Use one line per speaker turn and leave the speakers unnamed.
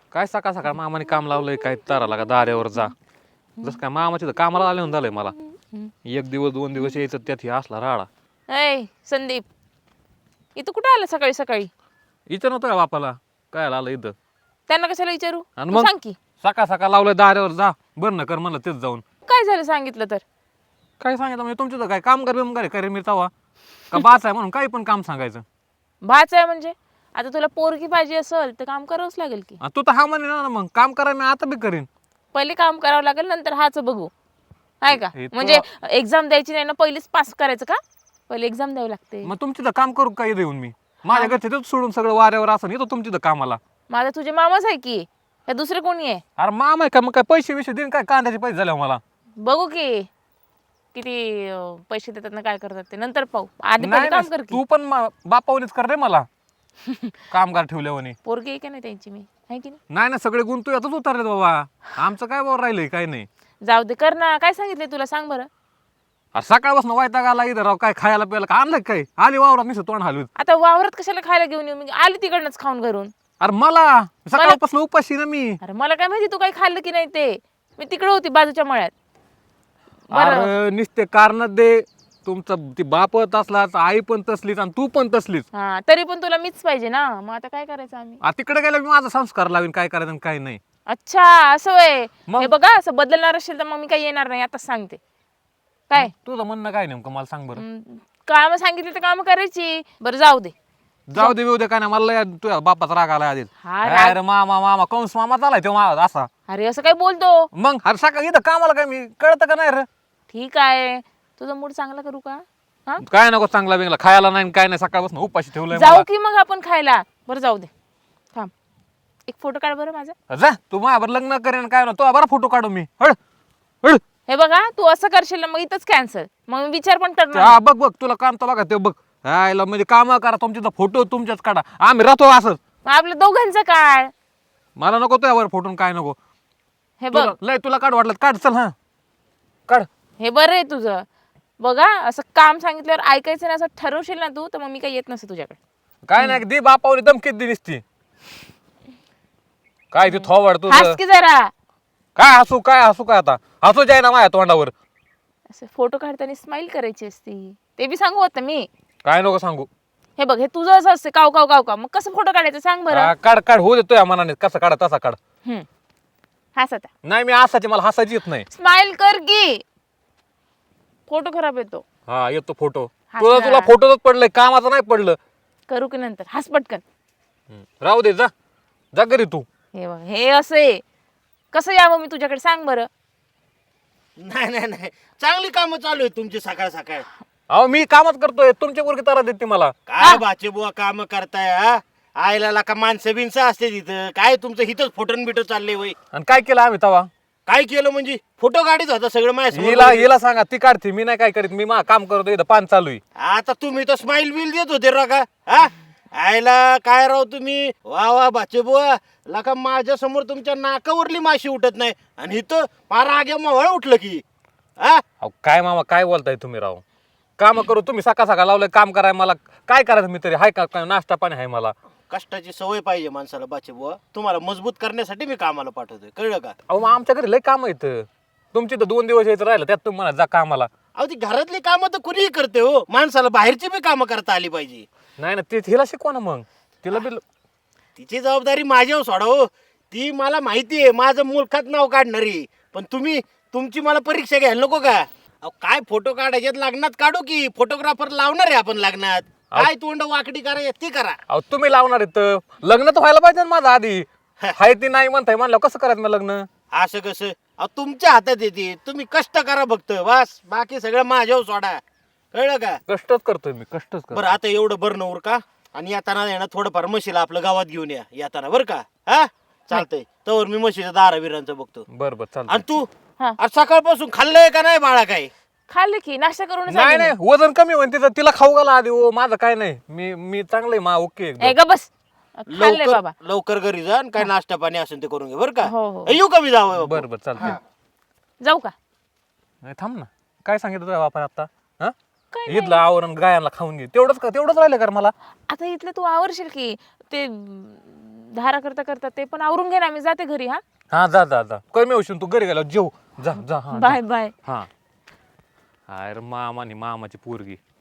काय सकाळ सकाळ मामाने काम लावलंय काय ताराला का दाऱ्यावर जा. जसं काय मामाच्या इथं कामाला आले झालंय मला. एक दिवस 2 दिवस यायचं त्यात हे असला राडा.
ऐ संदीप, इथं कुठं आलं सकाळी सकाळी?
इथं नव्हतं का बापाला काय आलं इथं.
त्यांना कशाला विचारू?
आणि
तू
मग
सांग की
सकाळ सकाळ लावलंय दाऱ्यावर जा बरं ना कर म्हणलं तेच जाऊन.
काय झालं सांगितलं तर.
काय सांगितलं म्हणजे तुमच्या काय काम करे मी तवा का बाच आहे म्हणून काही पण काम सांगायचं.
भाच आहे म्हणजे आता तुला पोरगी पाहिजे असेल तर काम करावंच लागेल की.
आणि तू तर हा म्हणे ना मग काम करा मी आता बी करीन.
पहिले काम करावं लागेल नंतर हाच बघू आहे का?
हे तो-
म्हणजे एक्झाम द्यायची नाही ना, पहिलीच पास करायचं का? पहिले एक्झाम द्यावी लागते.
मग तुमची तर काम करू काय येऊन मी माझ्या घरचे तेच सोडून सगळं वाऱ्यावर असं येतो तुमची तर कामाला.
माझा तुझे मामाच आहे की या दुसरे कोणी आहे?
अरे मामा आहे का मग काय पैसे विषय देईन काय कांद्याचे पैसे झाले मला.
बघू की किती पैसे देतात ना, काय करतात ते नंतर पाहू. आधी
नाही
पहिले काम
नाही,
कर की.
तू पण बापावणीच कर रे मला कामगार ठेवल्यावानी.
पोरगी आहे का नाही त्यांची मी आहे की नाही?
नाही ना सगळे गुण तू यातच उतरले बाबा. आमचं काय बाबा राहिलंय काय नाही.
जाऊ दे कर ना. काय सांगितले तुला सांग बरं.
अरे सकाळपासून वैताग आला इथं राव काय खायला प्यायला का आणलं काय आली वावरात निसं तोंड हलवीत.
आता वावरात कशाला खायला घेऊन येऊ? मी आली तिकडनंच खाऊन घरून.
अरे मला सकाळपासून उपाशी ना मी.
अरे मला काय माहिती तू काही खाल्लं की नाही ते. मी तिकडे होती बाजूच्या मळ्यात. बरं
अरे नुसते कारण दे. तुमचं ती बाप तसलाच आई पण तसलीच आणि तू पण तसलीच.
हा तरी पण तुला मीच पाहिजे ना, मग आता काय करायचं आम्ही?
तिकडे गेलं मी माझा संस्कार लावीन काय करायचं आणि काय नाही.
अच्छा असं वय.
मग?
हे बघा असं बदलणार असेल तर मग मी काही येणार नाही, आता सांगते. काय
तुझं म्हणणं काय नेमकं मला सांग बरं.
काम सांगितली तर काम करायची. बरं जाऊ दे.
जाऊ दे काय नाही मला तुझ्या बापाचा राग आला आधीच.
हा राग.
अरे मामा मामा कंस मामा चालाय तो माझा असा.
अरे असं काय बोलतो?
मग अरे सकाळी इथं कामाला काय मी कळतं का नाही रे.
ठीक आहे, तुझा मूड चांगला करू का? हा
काय नको चांगला बिंगला खायला नाही काय नाही सकाळपासून उपाशी ठेवलंय
जाऊ
मला.
की मग आपण खायला. बरं जाऊ दे. थांब एक फोटो काढ बरं माझा.
जा तू माझ्यावर लग्न करेन काय ना तो बरा फोटो काढू मी हड हड.
हे बघा तू असं करशील ना मग इथंच कॅन्सल. मग मी विचार पण करणार
हा
नाही.
बघ बघ तुला काम तर बघा ते बघ. हायला म्हणजे काम करा तुमच्या फोटो तुमच्याच काढा आम्ही राहतो असं.
मग आपल्या दोघांचं काढ.
मला नको तुझ्यावर फोटो काय नको.
हे बघ
लय तुला काढ वाटलं काढ चल हा काढ.
हे बरं आहे तुझं. बघा असं काम सांगितल्यावर ऐकायचं नाही असं ठरवशील ना तू, तर मग मी काही येत नसते तुझ्याकडे.
काय नाही दे बापावली धमकीत दिलीस ती. काय ती थोवाड
हस
तुझं
की जरा.
काय हसू काय आता हसू जाय ना माझ्या तोंडावर.
असं फोटो काढताना स्माइल करायची असती, ते बी सांगू आता मी.
काय नको सांगू.
हे बघ हे तुझं असं असते काव काव काव काव, मग कसं फोटो काढायचं सांग बरं.
काढ काढ होऊ देतोय मनाने कसं काढ तसा काढ.
हस आता.
नाही मी हसायची मला हसायची येत नाही.
स्माइल कर की. फोटो खराब येतो.
हा येतो फोटो.
हसणार.
तुला फोटोच पडलंय कामाचं नाही पडलं.
करू की नंतर. हस पटकन.
राहू दे जा जा घरी तू.
हे बघ हे असे कसं यावं मी तुझ्याकडे सांग बरं.
नाही नाही नाही, चांगली कामं चालू आहेत तुमची सकाळ सकाळ.
अहो मी कामच करतोय तुमच्या पोरगी तारा देते मला.
काय बाचे बुवा काम करताय हा? आयला का माणसं बिनसं असते तिथं, काय तुमचं हिथंच फोटोन बिटो चाललंय वय.
आणि काय केलं आम्ही तवा.
काय केलं म्हणजे फोटो काढीत होता सगळं
हिला
माझ्या.
हिला सांगा ती काढते मी नाही काय करीत मी काम करतो इथं पान चालू आहे.
आता तुम्ही तर स्माइल बिल देत होते रा का हा? आयला काय राव तुम्ही वा वा बाचे बुवा. लका माझ्या समोर तुमच्या नाकावरली माशी उठत नाही आणि इथं फार आगे मवळ उठलं की हा?
अहो काय मामा काय बोलताय तुम्ही राव. काम करू तुम्ही सकाळ सकाळ लावलंय काम कराय मला काय करायचं मी तरी हाय का काय नाश्ता पाणी आहे मला.
कष्टाची सवय पाहिजे माणसाला बाचे बुवा. तुम्हाला मजबूत करण्यासाठी मी कामाला पाठवतोय, कळलं का?
अहो मग आमच्या घरी लय काम आहेत तुमची तर 2 दिवस यायचं राहिलं त्यात तुम्ही म्हणा जा कामाला.
अहो ती घरातली कामं तर कुणीही करते हो, माणसाला बाहेरची बी कामं करता आली पाहिजे.
नाही ना ते हिला शिकवा ना मग तिला बी.
तिची जबाबदारी माझ्यावर सोडा हो. ती मला माहिती आहे माझं मुलखात नाव काढणारी, पण तुम्ही तुमची मला परीक्षा घ्यायला नको का? अहो काय फोटो काढायच्यात लग्नात काढू की फोटोग्राफर लावणार आहे आपण लग्नात. काय तोंड वाकडी करायची ती करा.
अहो तुम्ही लावणार आहेत लग्न तर व्हायला पाहिजे ना माझं आधी. हाय ती नाही म्हणताय म्हणलं कसं करायचं मग लग्न.
असं कसं? अहो तुमच्या हातात येते, तुम्ही कष्ट करा फक्त बस, बाकी सगळं माझ्यावर सोडा, कळलं का?
कष्टच करतोय मी कष्टच करतो.
बरं आता एवढं बरं नवर का, आणि येताना येणं थोडंफार म्हशीला आपलं गावात घेऊन या येताना बरं का. हा चालतंय तवर मी म्हशीच्या दाराविरांचं बघतो.
बरं बरं चालतं.
आणि तू
हा
आज सकाळपासून खाल्लंय का नाही बाळा काय?
खाल्लं की नाश्ता करून
नाही नाही वजन कमी होईल तिचं तिला खाऊ घाला आधी माझं काय नाही मी मी चांगलंय मा ओके एकदम.
ग बस. खाल्लंय बाबा.
लवकर घरी जा आणि काय नाश्ता पाणी असेल ते करून घे बरं का.
हो, हो.
येऊ का मी जावं?
बरं बरं चालतंय.
जाऊ का?
नाही थांब ना काय सांगितलं तुझ्या बापाने आता हा
काय
इथलं आवरण गायांना खाऊन घे तेवढंच राहिलं कर मला.
आता इथलं तू आवरशील की ते धारा करता करता ते पण आवरून घे ना, मी जाते घरी. हा
हा जा जा जा कमी होशील तू घरी गेला जेव जा जा हा
बाय बाय.
हा अरे मामानी मामाची पोरगी